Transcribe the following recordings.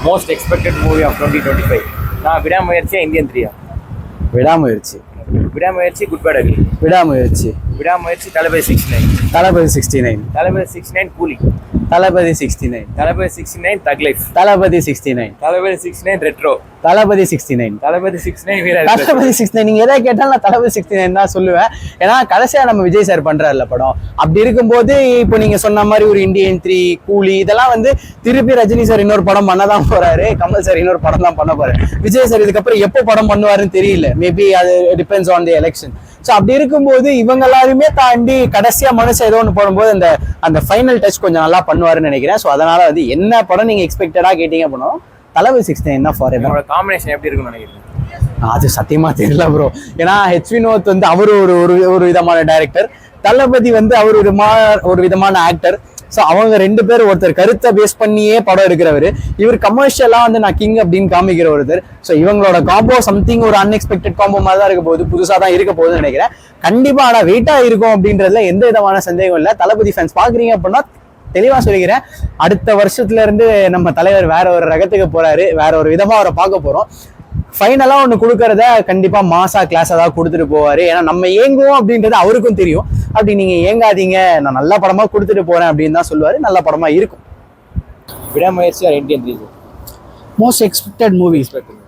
Most expected movie of 2025. நான் விடாமுயற்சியா Indian 3-ஆ? விடாமுயற்சி. Vidaamuyarchi, Good bad ugly. விடாமுயற்சி. விடாமுயற்சி, தளபதி 69. தளபதி 69. தளபதி 69 கூலி. தளபதி 69. தளபதி 69 தக் லைஃப். தளபதி 69. தளபதி 69 ரெட்ரோ. தளபதி 69. தளபதி 69 வீர. தளபதி 69 நீங்க எதை கேட்டாலும் நான் தளபதி 69 தான் சொல்லுவேன். ஏன்னா கடைசியா நம்ம விஜய் சார் பண்றாருல படம். அப்படி இருக்கும்போது இப்போ நீங்க சொன்ன மாதிரி ஒரு இந்தியன் 3, கூலி இதெல்லாம் வந்து திருப்பி ரஜினி சார் இன்னொரு படம் பண்ணதான் போறாரு, கமல் சார் இன்னொரு படம் தான் பண்ண போறாரு. விஜய் சார் இதுக்கப்புறம் எப்போ படம் பண்ணுவாருன்னு தெரியல. மேபி அது depends on the election. So அப்படி இருக்கும்போது இவங்க எல்லாருமே தாண்டி கடைசியா மனுஷன் ஏதோ ஒன்று போடும்போது அந்த ஃபைனல் டச் கொஞ்சம் நல்லா பண்ணுவாருன்னு நினைக்கிறேன். ஸோ அதனால வந்து என்ன படம் நீங்க எக்ஸ்பெக்டடா கேட்டீங்க அப்படின்னா தளபதி 69 தான் ஃபார் எவர். காம்பினேஷன் எப்படி இருக்கும்னு நினைக்கிறேன்? அது சத்தியமா தெரியல ப்ரோ. ஏன்னா ஹெச் வினோத் வந்து அவரு ஒரு விதமான டைரக்டர், தளபதி வந்து அவர் ஒரு விதமான ஆக்டர். ஸோ அவங்க ரெண்டு பேரும் ஒருத்தர் கருத்தை பேஸ் பண்ணியே படம் எடுக்கிறவர், இவர் கமர்ஷியலா வந்து நான் கிங் அப்படின்னு காமிக்கிற ஒருத்தர். ஸோ இவங்களோட காம்போ சம்திங் ஒரு அன்எக்ஸ்பெக்டட் காம்போ மாதிரி தான் இருக்க போகுது, புதுசாக தான் இருக்க போகுதுன்னு நினைக்கிறேன். கண்டிப்பா ஆனால் வெயிட்டா இருக்கும் அப்படின்றதுல எந்த விதமான சந்தேகம் இல்லை. தளபதி ஃபேன்ஸ் பாக்குறீங்க அப்படின்னா தெளிவா சொல்லிக்கிறேன், அடுத்த வருஷத்துல இருந்து நம்ம தலைவர் வேற ஒரு ரகத்துக்கு போறாரு, வேற ஒரு விதமா அவரை பார்க்க போறோம். ஃபைனலா ஒண்ணு கொடுக்கறத கண்டிப்பா மாசா கிளாஸா தான் கொடுத்துட்டு போவாரு. ஏன்னா நம்ம ஏங்குவோம் அப்படின்றது அவருக்கும் தெரியும். அப்படி நீங்க ஏங்காதீங்க, நான் நல்ல படமா கொடுத்துட்டு போறேன் அப்படின்னு தான் சொல்லுவாரு. நல்ல படமா இருக்கும். Vidaamuyarchi or Indian 3? Most expected movies.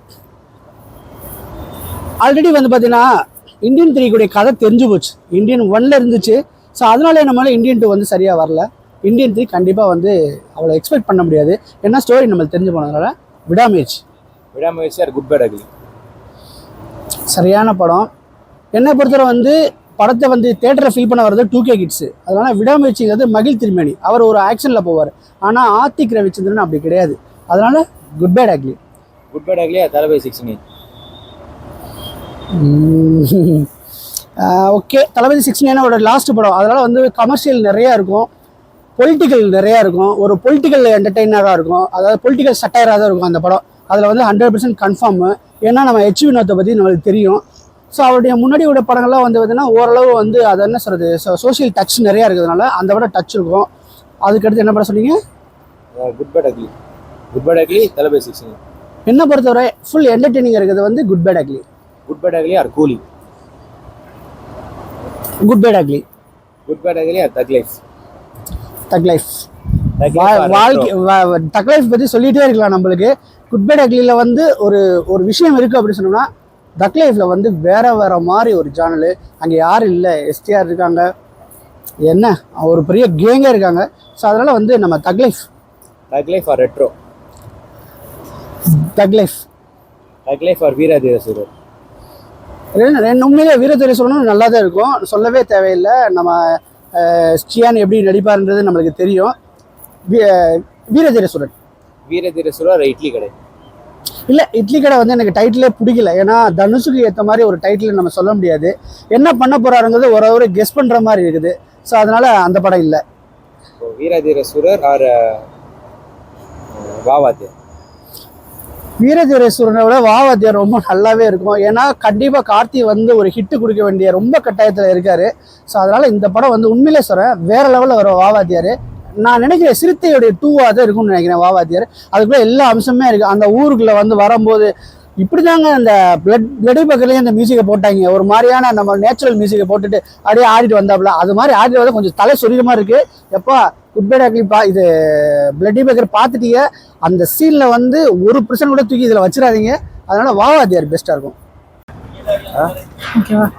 Already வந்து பார்த்தீங்கன்னா இந்தியன் 3 கூடிய கதை தெரிஞ்சு போச்சு. இந்தியன் 1ல இருந்துச்சு. ஸோ அதனால நம்மளால இந்தியன் 2 வந்து சரியாக வரல. இந்தியன் 3 கண்டிப்பாக வந்து அவ்வளோ எக்ஸ்பெக்ட் பண்ண முடியாது. ஏன்னா ஸ்டோரி நம்மளுக்கு தெரிஞ்சு போனதுனால விடாமுயற்சி. விடாமுயற்சி ஆர் குட் பேட் அக்லி? சரியான படம். என்னை பொறுத்தவரை வந்து படத்தை வந்து தேட்டரை ஃபீல் பண்ண வர்றது 2K கிட்ஸு. அதனால விடாமுயற்சிங்கிறது மகிழ் திருமேனி, அவர் ஒரு ஆக்ஷனில் போவார். ஆனால் ஆர்த்திக் ரவிச்சந்திரன் அப்படி கிடையாது. அதனால good bad ugly. Good bad ugly Thalapathy 69? Okay, Thalapathy 69 அவரோட லாஸ்ட் படம். அதனால வந்து கமர்ஷியல் நிறையா இருக்கும், பொலிட்டிக்கல் நிறையா இருக்கும், ஒரு பொலிட்டிக்கல் என்டர்டெய்னராக இருக்கும், அதாவது பொலிட்டிக்கல் சட்டையராக தான் இருக்கும் அந்த படம். அதில் வந்து 100% கன்ஃபார்மு. ஏன்னா நம்ம ஹெச் வினோத்தை பற்றி நம்மளுக்கு தெரியும். ஸோ அவருடைய முன்னாடி உள்ள படங்கள்லாம் வந்து பார்த்தீங்கன்னா ஓரளவு வந்து அது என்ன சொல்கிறது, சோஷியல் டச் நிறையா இருக்கிறதுனால அந்த படம் டச் இருக்கும். அதுக்கடுத்து என்ன படம் சொன்னீங்க? Good bad ugly. Good bad ugly Thalapathy 69? என்ன பொறுத்தவரை ஃபுல் என்டர்டெய்னிங் இருக்கிறது வந்து good bad ugly. Good bad ugly or Coolie? Good bad ugly. Good bad ugly or thug life? Thug life. வாழ்க்கை தக் லைஃப் பற்றி சொல்லிகிட்டே இருக்கலாம் நம்மளுக்கு. குட் பேட் அக்லியில் வந்து ஒரு விஷயம் இருக்குது அப்படின்னு சொன்னோம்னா, தக் லைஃப்பில் வந்து வேற மாதிரி ஒரு ஜானல். அங்கே யாரும் இல்லை, எஸ்டிஆர் இருக்காங்க, என்ன ஒரு பெரிய கேங்கே இருக்காங்க. ஸோ அதனால் வந்து நம்ம தக் life. Thug life R retro? தக் லைஃப். தக் லைஃப் ஆர் வீரதீர சூரர்? உண்மையிலே வீரதீர சூரனும் நல்லா தான் இருக்கும், சொல்லவே தேவையில்லை. நம்ம ஸ்டியான் எப்படி நடிப்பார்ன்றது நம்மளுக்கு தெரியும். வீரதீர சூரன். வீரதீர சூரர் இட்லி கடை? இல்லை, இட்லி கடை வந்து எனக்கு டைட்டிலே பிடிக்கல. ஏன்னா தனுஷுக்கு ஏற்ற மாதிரி ஒரு டைட்டில் நம்ம சொல்ல முடியாது. என்ன பண்ண போறாருங்கிறது ஒரு கெஸ் பண்ணுற மாதிரி இருக்குது. ஸோ அதனால அந்த படம் இல்லை. வீரதீர சூரர் ஆர் வாவாத்தியார்? வீரதீர சூரனை விட வாவாத்தியார் ரொம்ப நல்லாவே இருக்கும். ஏன்னா கண்டிப்பாக கார்த்தி வந்து ஒரு ஹிட்டு கொடுக்க வேண்டிய ரொம்ப கட்டாயத்தில் இருக்காரு. ஸோ அதனால இந்த படம் வந்து உண்மையிலே சொல்கிறேன் வேற லெவலில் வரும் வாவாத்தியார். நான் நினைக்கிறேன் சிறுத்தையுடைய 2வா தான் இருக்கும்னு நினைக்கிறேன் வாவாத்தியார். அதுக்குள்ளே எல்லா அம்சமே இருக்குது. அந்த ஊருக்குள்ளே வந்து வரும்போது இப்படி தாங்க அந்த பிளடி பக்கத்துலேயே அந்த மியூசிக்கை போட்டாங்க. ஒரு மாதிரியான நம்ம நேச்சுரல் மியூசிக்கை போட்டுட்டு அப்படியே ஆடிட்டு வந்தாப்புல. அது மாதிரி ஆடிட்டு வந்து கொஞ்சம் தலை சொரிகிற மாதிரி இருக்குது. எப்பா குட் பேட் அக்லி இது பிளடி பக்கர் பார்த்துட்டீங்க, அந்த சீனில் வந்து 1% கூட தூக்கி இதில் வச்சிடாதீங்க. அதனால வாவாத்தியார் பெஸ்ட்டாக இருக்கும். ஓகேவா?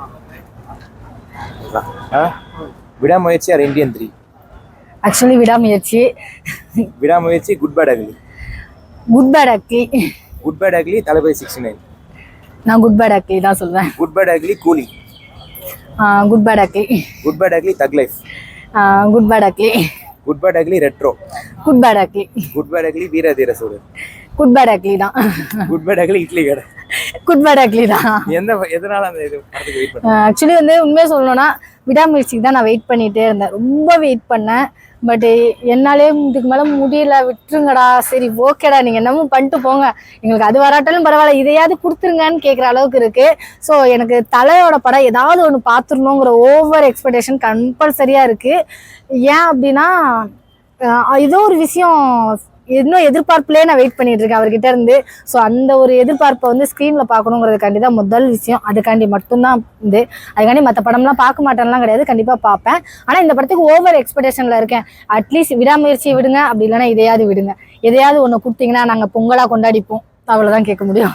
விடாமுயற்சி or Indian 3? Actually Vidaamuyarchi. Vidaamuyarchi Good bad ugly? Good bad ugly. Good bad ugly Thalapathy 69? நான் குட் பேட் அக்லி தான் சொல்வேன். Good bad Ugly Coolie? Good bad ugly. Good bad Ugly Thug Life? Good bad ugly. Good bad Ugly Retro? Good bad ugly. Good bad Ugly Veeradheera Soorar? Good bad Ugly தான். Good bad Ugly Idli Kadai? Good bad Ugly தான். எதனால அந்த இது படத்துக்கு wait பண்ண? Actually வந்து உண்மையாக சொல்லணும்னா விடாமுயற்சிக்கு தான் நான் வெயிட் பண்ணிகிட்டே இருந்தேன், ரொம்ப வெயிட் பண்ணேன். பட் என்னாலே இதுக்கு மேலே முடியல, விட்டுருங்கடா, சரி ஓகேடா நீங்கள் என்னமோ பண்ணிட்டு போங்க, எங்களுக்கு அது வராட்டாலும் பரவாயில்ல, இதையாவது கொடுத்துருங்கன்னு கேட்குற அளவுக்கு இருக்குது. ஸோ எனக்கு தலையோட படம் ஏதாவது ஒன்று பார்த்துடணுங்கிற ஓவர் எக்ஸ்பெக்டேஷன் கம்பல்சரியாக இருக்குது. ஏன் அப்படின்னா ஏதோ ஒரு விஷயம் இன்னும் எதிர்பார்ப்புலேயே நான் வெயிட் பண்ணிட்டு இருக்கேன் அவர்கிட்ட இருந்து. ஸோ அந்த ஒரு எதிர்பார்ப்பை வந்து ஸ்க்ரீனில் பார்க்கணுங்கிறதுக்காண்டி தான் முதல் விஷயம். அதுக்காண்டி மட்டும்தான் இது. அதுக்காண்டி மற்ற படம்லாம் பார்க்க மாட்டேன்லாம் கிடையாது, கண்டிப்பாக பார்ப்பேன். ஆனால் இந்த படத்துக்கு ஓவர் எக்ஸ்பெக்டேஷனில் இருக்கேன். அட்லீஸ்ட் விடாமுயற்சியை விடுங்க, அப்படி இல்லைன்னா இதையாவது விடுங்க. எதையாவது ஒன்று கொடுத்தீங்கன்னா நாங்கள் பொங்கலாக கொண்டாடிப்போம். அவ்வளோதான் கேட்க முடியும்.